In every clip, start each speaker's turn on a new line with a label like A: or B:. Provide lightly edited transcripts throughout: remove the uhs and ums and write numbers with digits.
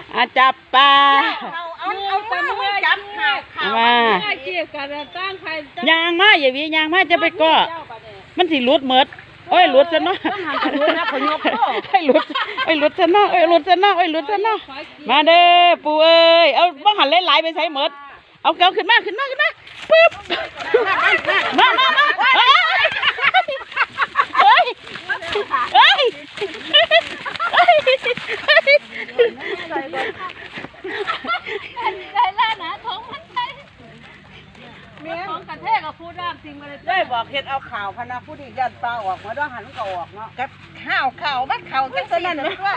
A: จับปลา
B: เอาตะมือจับข่าว
A: มา
B: เกี่ยวกันตั้งใคร
A: ยางมาอย่าวียางมาจะไปก่อมันสิหลุดหมดโอ้ยหลุดซะเนาะไอ้หลุดซะเนาะหลุดซะเนาะมาเด้อปู่เอ้ยเอาบ่หันหลายๆไปใส่หมดเอาเกาขึ้นมาปึ๊บมาเฮ้ย
B: ได้แล้วนะท้องมันไปท้องกระเทกกับพูดได้จริงมาเลยได้บอกเห็ดเอาข่าวพนักผู้ดียันปลาออกมาด้วยหันก็ออกเนาะกับข่าวมันข่าวจังตัวนั้นว่า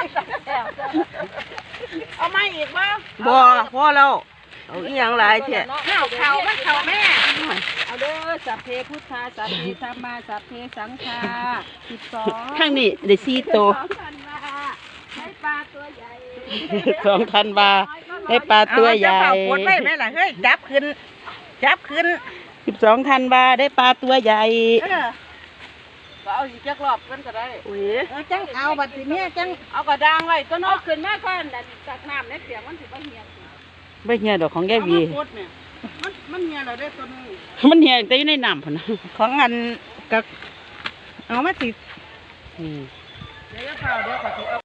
B: เอามาอีกมั้ง
A: บ่พอแล้วเอาอีหยังหลายแท้
B: ข่าวมันข่าวแม่เอาเด้อสัพเพพุทธาสัพเพธัมมาสัพเพสังฆา12
A: ข้างนี้ได้4ตัว
B: ให้ปลาตัวใหญ่
A: 2,000 บาทให้ปลาตัวใหญ่
B: ปวดไว้ไหมล่ะเฮ้ยจับขึ้น
A: 12,000 บาทได้ปลาตัวใหญ่
B: ก็เอาอีกจักรอบกันก็ได้
A: จังเอาบัดนี้จัง
B: เอากระด้างไว้ต้นเอาขึ้นมาก่อนจากน้ำในเปียกมันสิบ่เหี่ยว
A: ไม่เหี่ยวดอกของแกวี
B: มันเหี่ยวแล้วได้ตัวนึง
A: มันเหี่ยวแต่อยู่ในน้ำพุ่นนะ
B: ของอันกับเอามาสิ
A: 嗯。
B: เดี๋ยวขอ